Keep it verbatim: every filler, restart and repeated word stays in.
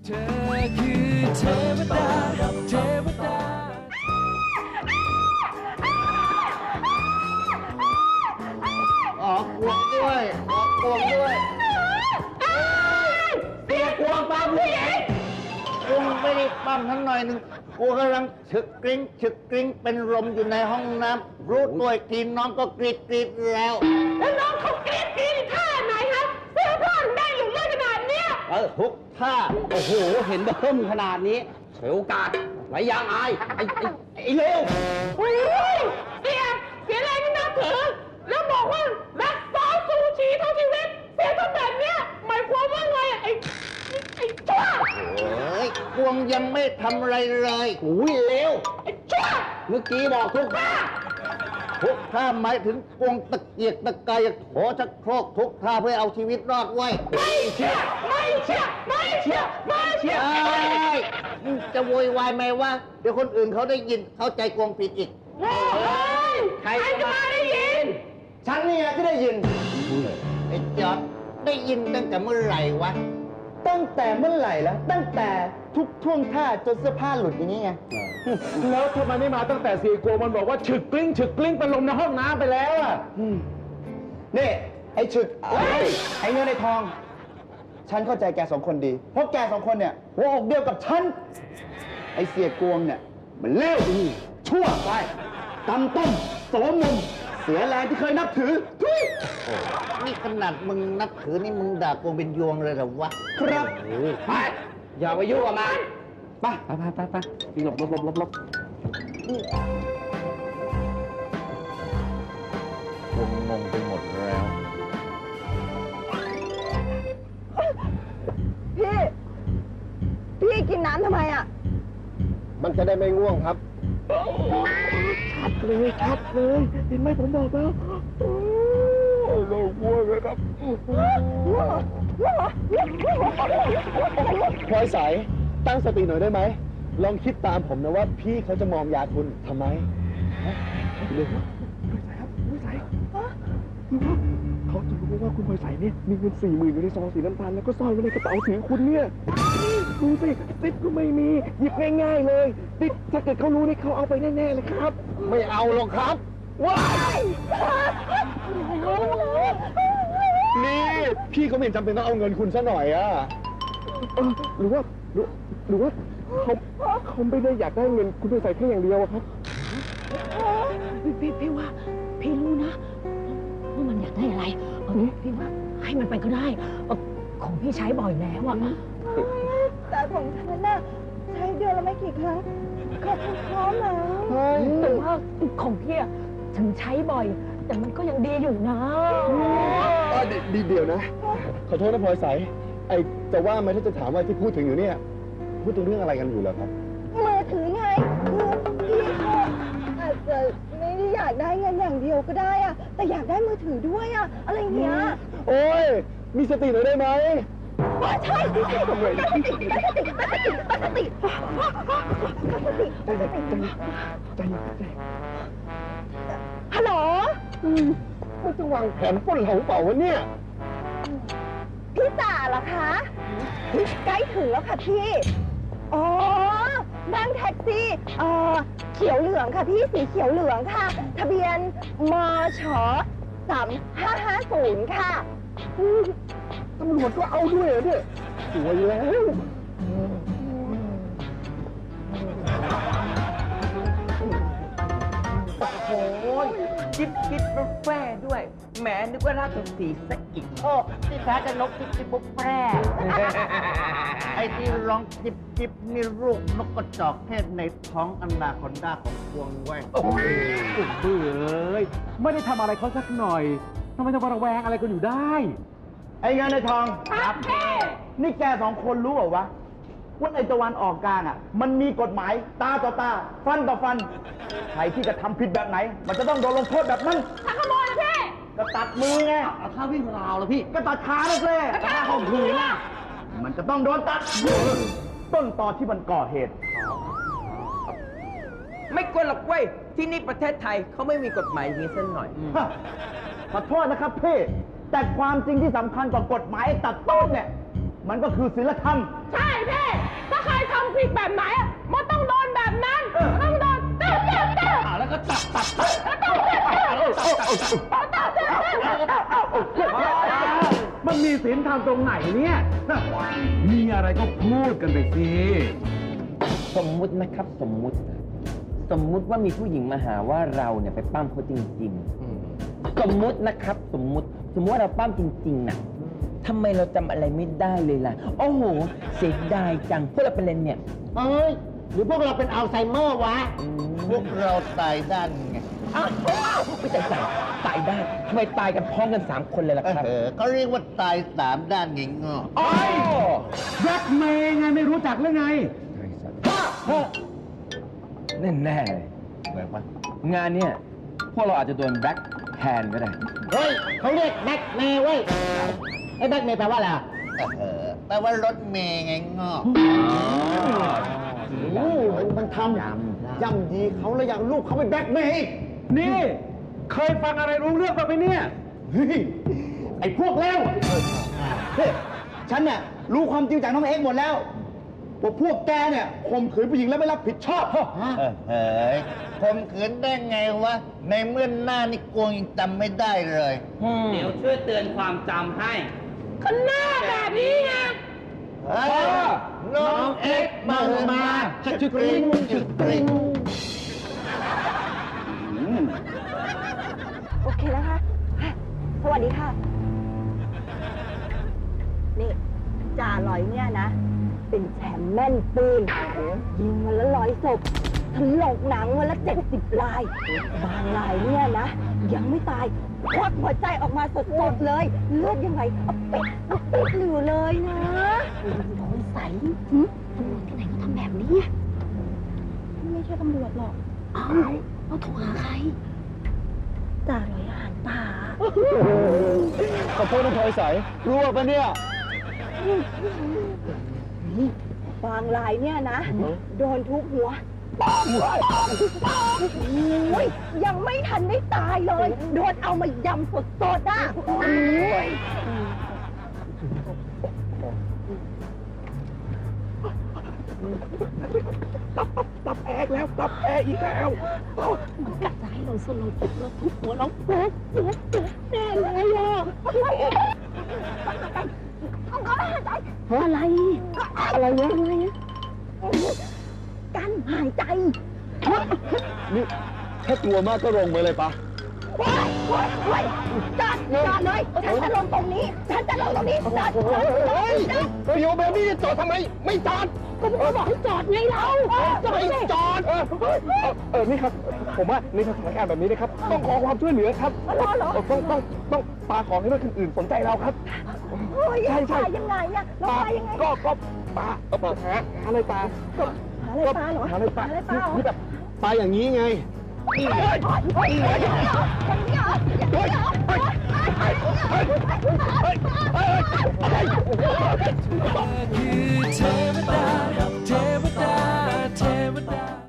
เธอคือเทวดาเทวดาออกกวงด้วยออกกวงด้วยเสียกวงปั๊มผู้หญิงกวงไม่ได้ปั๊มทั้งหน่อยหนึ่งกูกำลังฉึกกริ้งฉึกกริ้งเป็นลมอยู่ในห้องน้ำรู้ตัวอีกทีน้องก็กรีดกรีดแล้วแล้วน้องเขากรี๊ดกรี๊ดท่าไหนครับเสื้อผ้าได้อยู่เยอะขนาดเนี้ยเออทุกท่าโอ้โห เห็นเบิ่มขนาดนี้เฉยโอกาสไว้ยางอาย ไอ้ไอ้ไอ้เลวโอ้ยเสียเสียแรงที่นับถือแล้วบอกว่ารักซอสซูชิเท่าชีวิตเสียทำแบบเนี้ยหมายความว่าไงอะไอ้ไอ้ชั่วโอ้ยกวงยังไม่ทำอะไรเลยอุ้ยเลวไอ้ชั่วเมื่อกี้บอกทุกท่าทุกท่าหมายถึงกวงตะเกียกตะกายโถชักโครกทุกท่าเพื่อเอาชีวิตรอดไว้ไม่เชื่อไม่เชื่อไม่เชื่อไม่เชื่อเอ้ยจะโวยวายไหมว่าเดี๋ยวคนอื่นเขาได้ยินเข้าใจกวงผิดอีกโอ้ยใครจะมาได้ยินฉันนี่นะที่ได้ยินไอ้จอดได้ยินตั้งแต่เมื่อไหร่วะตั้งแต่เมื่อไหร่แล้วตั้งแต่ทุกท่วงท่าจนเสื้อผ้าหลุดอย่างนี้ไงแล้วทำไมไม่มาตั้งแต่สี่กลัวมันบอกว่าฉึกกลิ้งฉึกกลิ้งเป็นลมในห้องน้ำไปแล้วอ่ะนี่ ไอ้ฉึกไอ้ไอ้เงินไอ้ทอง ฉันเข้าใจแกสองคนดี เพราะแกสองคนเนี่ยหัวอกเดียวกับฉัน ไอ้เสียกวงเนี่ย มันเลวชั่วไปตำต้มโสมมุมเสียแรงที่เคยนับถือทุยนี่ขนาดมึงนับถือนี่มึงด่ากวงเป็นยวงเลยเหรอวะครับไป อย่าไปยุ่งกับมันไปไปไปไปไปหลบหลบหลบหลบหลบกวงงงไปหมดแล้วพี่ พี่กินน้ำทำไมอ่ะมันจะได้ไม่ง่วงครับเลยชัดเลยเห็นไหมผมบอกแล้วเราง่วงเลยครับพลอยใสตั้งสติหน่อยได้ไหม ลองคิดตามผมนะว่าพี่เขาจะมอมยาคุณทำไมเร็วเขาจะรู้ว่าคุณพลอยใสเนี่ยมีเงินสี่หมื่นอยู่ในซองสีน้ำตาลแล้วก็ซ่อนไว้ในกระเป๋าถือคุณเนี่ยดูสิติดก็ไม่มีหยิบง่ายๆเลยติดถ้าเกิดเขารู้นี่เขาเอาไปแน่ๆเลยครับไม่เอาหรอกครับว้ายนี่พี่เขาไม่เห็นจำเป็นต้องเอาเงินคุณซะหน่อยอะเออหรือว่าหรือหรือว่าเขาเขาไม่ได้อยากได้เงินคุณพลอยใสแค่อย่างเดียวอะครับพี่พี่พี่ว่าพี่รู้นะว่ามันอยากได้อะไรเออพี่ว่าให้มันไปก็ได้เออของพี่ใช้บ่อยแล้วอะแต่ของฉันน่ะใช้เดือนละไม่กี่ครั้งก็พร้อมแล้วแต่ว่าของพี่อะถึงใช้บ่อย แต่มันก็ยังดีอยู่นะเออดีเดียวนะ ขอโทษนะพลอยใสไอจะว่าไหมถ้าจะถามว่าที่พูดถึงอยู่เนี่ย พูดถึงเรื่องอะไรกันอยู่เหรอครับมือถือไงคือพี่เขาอาจจะไม่ได้อยากได้เงินอย่างเดียวก็ได้อะแต่อยากได้มือถือด้วยอะอะไรเงี้ยโอ้ย มีสติหน่อยได้ไหมว่าใช่ใช่ตั้งสติตั้งสติตั้งสติตั้งสติตั้งสติตั้งสติตั้งสติใจเย็นใจฮัลโหลมันจะวางแผนปล้นเราเปล่าวะเนี่ยพี่จ่าเหรอคะใกล้ถึงแล้วค่ะพี่อ๋อนั่งแท็กซี่เอ่อเขียวเหลืองค่ะพี่สีเขียวเหลืองค่ะ ทะเบียนมชสามห้าห้าศูนย์ค่ะตำรวจก็เอาด้วยเหรอเนี่ยสวยแล้วโอ้ยจิ๊บจิ๊บบุฟเฟ่ด้วย แหมนึกว่าราชสีห์ซะอีกโอ้ที่แท้จะนกจิบจิบบุฟแพร่ ไอ้ที่ร้องจิบจิบนี่ลูกนกกระจอกเทศในท้องอันดาคอนดาของกวงไว้ยโอ้ยเบื่อเลยไม่ได้ทำอะไรเขาสักหน่อยทำไมต้องมาระแวงอะไรกันอยู่ได้ไอ้เงินในทองครับพี่นี่แกสองคนรู้เปล่าวะว่าในตะวันออกกลางอ่ะ มันมีกฎหมายตาต่อตา ฟันต่อฟัน ใครที่จะทำผิดแบบไหน มันจะต้องโดนลงโทษแบบนั้นถ้าขโมยนะพี่ก็ตัดมือไงเอาข้าววิ่งราวแล้วพี่ก็ตัดขาเลยสิข้าวของผืนน่ะมันจะต้องโดนตัด ต้นตอที่มันก่อเหตุไม่กลัวหรอกเว้ย ที่นี่ประเทศไทยเขาไม่มีกฎหมายอย่างนี้สักหน่อยฮะขอโทษนะครับพี่แต่ความจริงที่สำคัญกว่ากฎหมายตัดต้นเนี่ย มันก็คือศีลธรรมใช่พี่มันมีศีลธรรมตรงไหนเนี่ยน่ะมีอะไรก็พูดกันไปสิสมมุตินะครับสมมุติ สมมุติว่ามีผู้หญิงมาหาว่าเราเนี่ยไปปั้มเขาจริงๆ สมมุตินะครับสมมุติสมมติว่าเราปั้มจริงๆน่ะทำไมเราจำอะไรไม่ได้เลยล่ะ โอ้โหเสียดายจังพวกเราเป็นอะไรเนี่ยเอ้ย หรือพวกเราเป็นอัลไซเมอร์วะ พวกเราตายด้านไงอ้าวไม่ตายตายตายได้ทำไมตายกันพร้อมกันสามคนเลยล่ะครับเออก็เรียกว่าตายสามด้านไงงอโอ้ยแบล็กเมย์ไงไม่รู้จักหรือไงแน่แน่ๆเลยเหมือนปะงานเนี่ยพวกเราอาจจะโดนแบ็คแฮนด์ก็ได้เฮ้ยเขาเรียกแบ็คเมย์เว้ยไอ้แบ็คเมย์แปลว่าอะไรเออแปลว่ารถเมย์ไงงอโอ้มันทำย่ำยีเขาแล้วอยากลูกเขาไปแบล็กเมย์อีกนี่ เคยฟังอะไรรู้เรื่องบ้างไหมเนี่ยเฮ้ยไอ้พวกเลวเฮ้ยฉันเนี่ยรู้ความจริงจากน้องเอ็กซ์หมดแล้วว่าพวกแกเนี่ยข่มขืนผู้หญิงแล้วไม่รับผิดชอบเออเฮ้ยข่มขืนได้ไงวะ ในเมื่อหน้านี่กวงยังจำไม่ได้เลยเดี๋ยวช่วยเตือนความจำให้เฮ้ยน้องเอ็กซ์มามาชึกกริ๊งชึกกริ๊งโอเคแล้วค่ะอ่ะ สวัสดีค่ะ นี่จ่าลอยเนี่ยนะ เป็นแชมป์แม่นปืน ยิงวันละร้อยศพถลกหนังวันละเจ็ดสิบลาย บางลายเนี่ยนะ ยังไม่ตายควักหัวใจออกมาสดๆเลย เลือดยังไงเอาเป็ดเอาเป็ดอยู่เลยนะสงสัยหึตำรวจที่ไหนก็ทำแบบนี้อะไม่ใช่ตำรวจหรอก เอ้าเราโทรหาใครจ่าลอยอาหารป่าขอโทษนะพลอยใสรู้ป่ะเนี่ยบางรายเนี่ยนะ โดนทุบหัวป้องโอ้ยยังไม่ทันได้ตายเลย โดนเอามายำสดๆอ่ะโอ้ยตับแอกแล้ว ตับแอกอีกแล้วมันกะจะให้เราสลบเราทุบหัวเราโป๊ะโป๊ะโป๊ะแน่เลยอ่ะอะไรอ่ะอะไร อะไรเนี่ยอะไรเนี่ยกันหายใจนี่ถ้ากลัวมากก็ลงไปเลยปะว้ายว้ายว้ายจอดจอดเลย ฉันจะลงตรงนี้ ฉันจะลงตรงนี้จอดจอดจอดจอดเฮ้ยโยแบบนี้จอดทำไม ไม่จอดก็ผมบอกให้จอดไงเราจอดสิจอด เออเออเออ นี่ครับ ผมว่าในสถานการณ์แบบนี้นะครับ ต้องขอความช่วยเหลือครับอ๋อเหรอต้องต้องต้องปาของให้รถคันอื่นสนใจเราครับเฮ้ยใช่ใช่ปลายังไงอะเราปลายังไงก็ก็ปลาเออปลาหาหาอะไรปลาหาอะไรปลาเหรอหาอะไรปลาหาอะไรปลาเหรอนี่แบบปลาอย่างนี้ไงเฮ้ยเฮ้ยอย่างนี้เหรออย่างนี้เหรออย่างนี้เหรอ